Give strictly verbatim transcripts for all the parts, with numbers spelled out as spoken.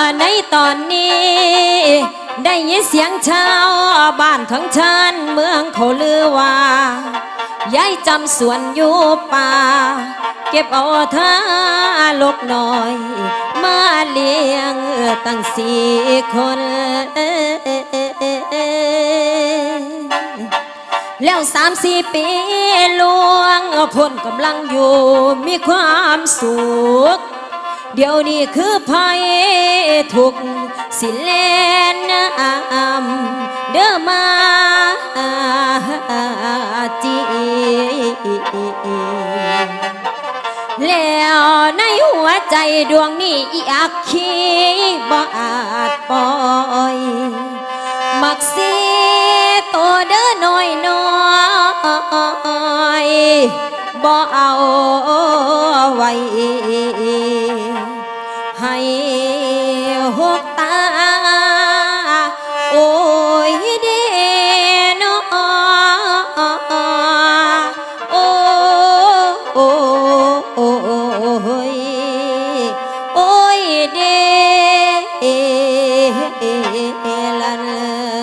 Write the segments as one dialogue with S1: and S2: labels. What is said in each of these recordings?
S1: ในตอนนี้ได้ยินเสียงชาวบ้านทั้งชานเมืองเขาลือว่ายายจำสวนอยู่ป่าเก็บเอาท่าลกหน่อยมาเลี้ยงตั้งสี่คนแล้วสามสี่ปีลวงพ้นกำลังอยู่มีความสุขเดี๋ยวนี้คือภัยทุกสิเลนน้ำเด้อมาจีแล้วในหัวใจดวงนี้อีอักขีบ่อาจปล่อยมักสีโตเด้อน้อยน้อยบ่เอาไว้ให้หกตาโอ้ยเด้นอโอ้โอ้โอ้ยโอ้ยเด้ลัน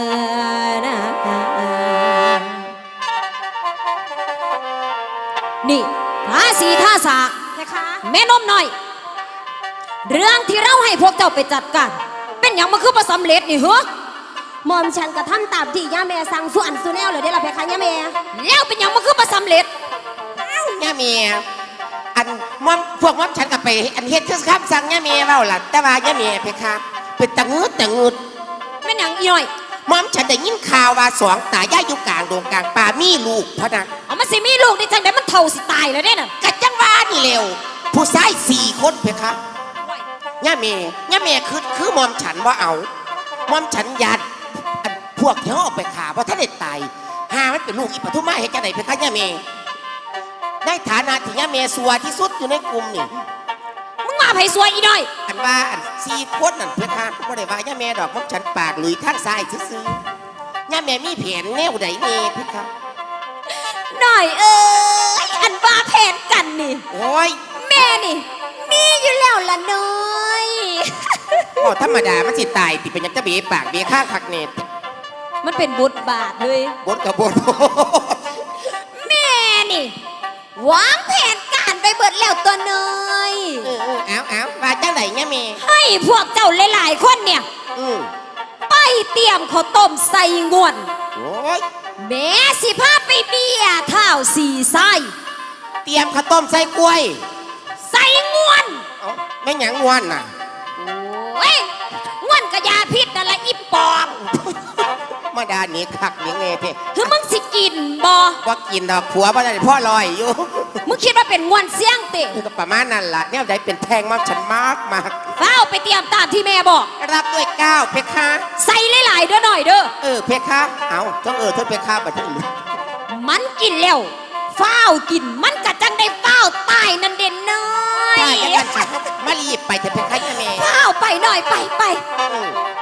S1: นี่ท่าสีท่าสากแม่นมหน่อยเรื่องที่เราให้พวกเจ้าไปจัดการเป็นอย่างมันคือประสำเร็จนี่เหรอ
S2: หม่อมฉันกระทำตามที่ย่าแม่สั่งส่วนสุแนวเลยได้ละเพคะย่าแม่
S1: แล้วเป็นอย่างมันคือประสำเร็จ
S3: ย่าแม่อันม่อมพวกม่อมฉันก็ไปอันเฮ็ดคือคำสั่งย่าแม่เล่าล่ะแต่ว่าย่าแม่เพคะเป็นตะงืดตะงืด
S1: เป็นอย่างอีหน่อย
S3: ม่อมฉันได้ยินข่าวว่าสองตายายอยู่กลางดงกลางป่ามีลูกพะนะ
S1: เอามันสิมีลูกได้จังได๋มันเท่าสิตายแล้วเด้น่ะ
S3: กะจังว่านี่เร็วผู้ชายสี่คนเพคะย่าแม่ย่าแม่คือคือม่อมฉันว่าเอาม่อมฉันยัดพวกที่เขาออกไปข่าเพราะท่านเด็ดตายหามันเป็นลูกอีปทุมมาเห็นจะไหนเพคะย่าแม่ในฐานะที่ย่าแม่สัวที่สุดอยู่ในกลุ่มนี่
S1: มึงมาไผสัวอีหน่อย
S3: อันว่าอันสี่คนนั่นเพคะเพราะได้ว่าย่าแม่ดอกม่อมฉันปากหลุยทางซ้ายซื่อย่าแม่มีแผนแนวใดนี่เพคะ
S1: หน่อยเอ้ยอันว่าแผนกันนี่
S3: โอ้ย
S1: แม่นี่มีอยู่แล้วล่ะน้อย
S3: โอ้ธรรมดามันสิตายติเป็นยังจะเบะปากเบะข้างคักเน็ต
S1: มันเป็นบทบาทเลย
S3: บทกับบท
S1: แม่นี่วางแผนการไปเบิดแล้วตัวน้อย
S3: เออเอาเอาว่าจังไหนเนี่ยแม่
S1: ให้พวกเจ้าหลายๆคนเนี่ยไปเตรียมข้าวต้มใส่งวน
S3: โอ้ย
S1: แม่สิพาไปเบียร์เท้าสี่ไส้
S3: เตรียมข้าวต้มใส่กล้วย
S1: ใส่งวน
S3: ไม่หยังงวนน่ะ
S1: โอ้ยงวนกระยาพิษนั่นละอีปอบ
S3: มาดาหนีคักหนีเงยเพ่
S1: คือมึงสิกินบ่
S3: ว่ากินดอกผัวว่าได้พ่อลอยอยู่
S1: มึงคิดว่าเป็นงวนเสียงติ
S3: ก็ประมาณนั้นล่ะเนี่ยได้เป็นแทงมากฉันมากมาก
S1: เฝ้าไปเตรียมตามที่แม่บอก
S3: รับด้วยก้าวเพคะ
S1: ใส่หลายๆด้วยหน่อยเด้อ
S3: เออเพคะเอาต้องเออทดเพคะบัดนี้
S1: มันกินแล้วเฝ้ากินมันกะจังได้เฝ้าตายนั่นเด่นน้อย
S3: ตายกันฉันมารีบไปเถอะเพคะแม่
S1: เฝ้าไปหน่อยไปไป